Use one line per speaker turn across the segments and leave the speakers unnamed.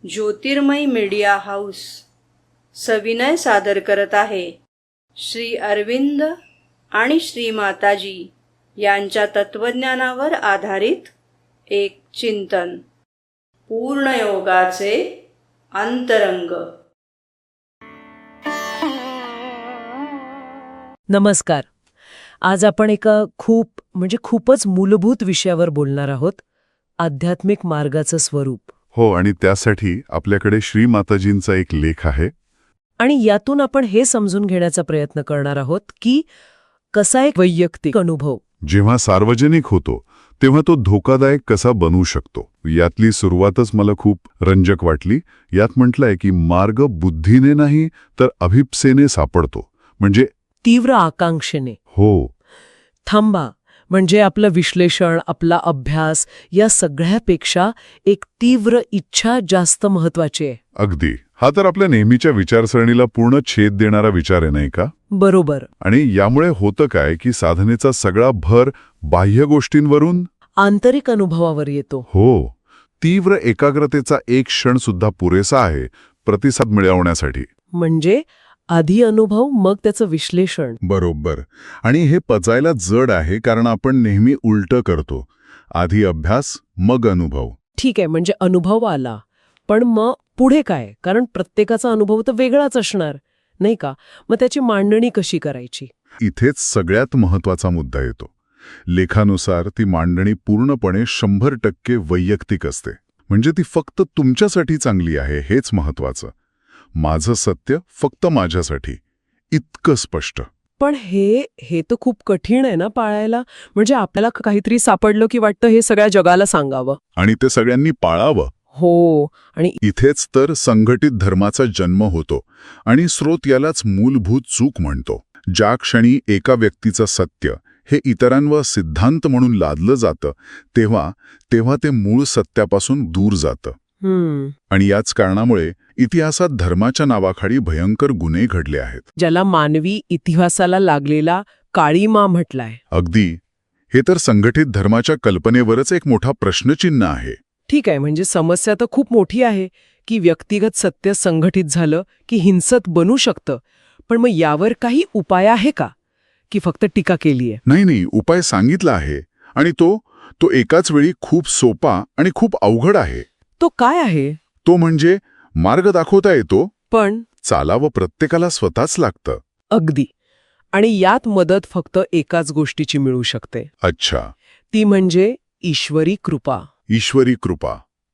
ज्योतिर्मय media house सविनय सादर करत आहे श्री अरविंद आणि श्री माताजी यांच्या तत्वज्ञानावर आधारित एक चिंतन, पूर्णयोगाचे अंतरंग.
नमस्कार. आज आपण एका खूपच मूलभूत विषयावर बोलणार आहोत, आध्यात्मिक मार्गाचं स्वरूप.
हो, आणि त्यासाठी आपल्याकडे श्री माताजींचा एक लेख आहे.
आणि यातून आपण हे समजून घेण्याचा प्रयत्न करणार आहोत की कसा एक वैयक्तिक अनुभव
जेव्हा सार्वजनिक होतो तेव्हा तो धोकादायक कसा बनू शकतो. यातली सुरुवातच मला खूप रंजक वाटली. यात म्हटलंय की मार्ग बुद्धीने नाही तर अभिप्सेने सापडतो, म्हणजे
तीव्र आकांक्षेने.
हो,
थांबा, म्हणजे आपलं विश्लेषण, आपला अभ्यास या सगळ्यापेक्षा एक तीव्र इच्छा जास्त महत्वाची आहे.
अगदी. हा तर आपल्या नेहमीच्या विचारसरणीला पूर्ण छेद देणारा विचार आहे, नाही का?
बरोबर.
आणि यामुळे होतं काय की साधनेचा सगळा भर बाह्य गोष्टींवरून
आंतरिक अनुभवावर येतो.
हो, तीव्र एकाग्रतेचा एक क्षण सुद्धा पुरेसा आहे प्रतिसाद मिळवण्यासाठी.
म्हणजे आधी अनुभव, मग त्याचं विश्लेषण.
बरोबर. आणि हे पचायला जड आहे कारण आपण नेहमी उलटं करतो. आधी अभ्यास, मग अनुभव.
ठीक आहे, म्हणजे अनुभव आला, पण मग पुढे काय? कारण प्रत्येकाचा अनुभव तर वेगळाच असणार, नाही का? मग त्याची मांडणी कशी करायची?
इथेच सगळ्यात महत्वाचा मुद्दा येतो. लेखानुसार ती मांडणी पूर्णपणे 100% वैयक्तिक असते. म्हणजे ती फक्त तुमच्यासाठी चांगली आहे हेच महत्वाचं. माझं सत्य फक्त माझ्यासाठी, इतकं स्पष्ट.
पण हे तर खूप कठीण आहे ना पाळायला. म्हणजे आपल्याला काहीतरी सापडलं की वाटतं हे सगळ्या जगाला सांगावं
आणि ते सगळ्यांनी पाळावं.
हो. आणि
इथेच तर संघटित धर्माचा जन्म होतो. आणि स्रोत यालाच मूलभूत चूक म्हणतो. ज्या क्षणी एका व्यक्तीचं सत्य हे इतरांवर सिद्धांत म्हणून लादलं जातं तेव्हा ते मूळ सत्यापासून दूर जातं. आणि याच कारणामुळे इतिहासात धर्माच्या नावाखाली भयंकर गुन्हे घडले आहेत,
ज्याला मानवी इतिहासाला लागलेला काळीमा म्हटलाय.
अगदी. हे तर संघटित धर्माच्या कल्पनेवरच एक मोठा प्रश्नचिन्ह आहे.
ठीक आहे, म्हणजे समस्या तर खूप मोठी आहे की व्यक्तिगत सत्य संघटित झालं की हिंसक बनू शकतं. पण मग यावर काही उपाय आहे का, की फक्त टीका केलीये?
नाही, उपाय सांगितला आहे. आणि तो एकाच वेळी खूप सोपा आणि खूप अवघड आहे.
तो काय आहे?
तो म्हणजे मार्ग दाखवता येतो,
पण
चालावं प्रत्येकाला स्वतःच लागतं.
अगदी. आणि यात मदत फक्त एकाच गोष्टीची मिळू शकते.
अच्छा.
ती म्हणजे ईश्वरी कृपा.
ईश्वरी कृपा.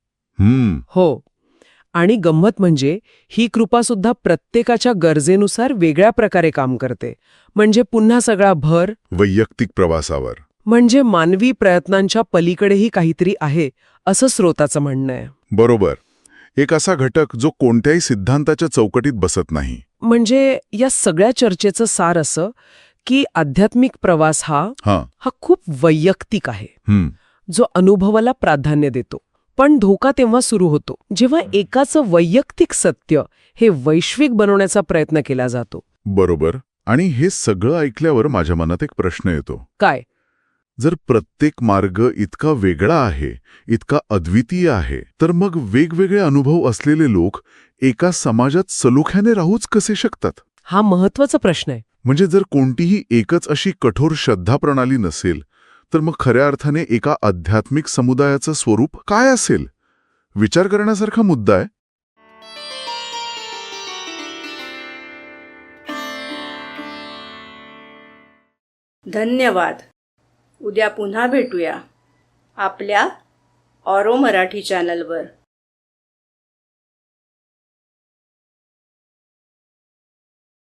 हो. आणि गंमत म्हणजे ही कृपा सुद्धा प्रत्येकाच्या गरजेनुसार वेगळ्या प्रकारे काम करते. म्हणजे पुन्हा सगळा भर
वैयक्तिक प्रवासावर.
म्हणजे मानवी प्रयत्नांच्या पलीकडेही काहीतरी आहे, असं स्रोताचं म्हणणं आहे.
बरोबर. एक असा घटक जो कोणत्याही सिद्धांताच्या चौकटीत बसत नाही.
म्हणजे या सगळ्या चर्चेचं सार असं की आध्यात्मिक प्रवास हा खूप वैयक्तिक आहे, जो अनुभवाला प्राधान्य देतो. पण धोका तेव्हा सुरू होतो जेव्हा एकाचं वैयक्तिक सत्य हे वैश्विक बनवण्याचा प्रयत्न केला जातो.
बरोबर. आणि हे सगळं ऐकल्यावर माझ्या मनात एक प्रश्न येतो.
काय?
जर प्रत्येक मार्ग इतका वेगळा आहे, इतका अद्वितीय आहे, तर मग वेगवेगळे अनुभव असलेले लोक एका समाजात सलोख्याने राहूच कसे शकतात?
हा महत्वाचा प्रश्न आहे.
म्हणजे जर कोणतीही एकच अशी कठोर श्रद्धा प्रणाली नसेल तर मग खऱ्या अर्थाने एका आध्यात्मिक समुदायाचं स्वरूप काय असेल? विचार करण्यासारखा मुद्दा आहे.
धन्यवाद. उद्या पुन्हा भेटूया आपल्या ऑरो मराठी चॅनलवर.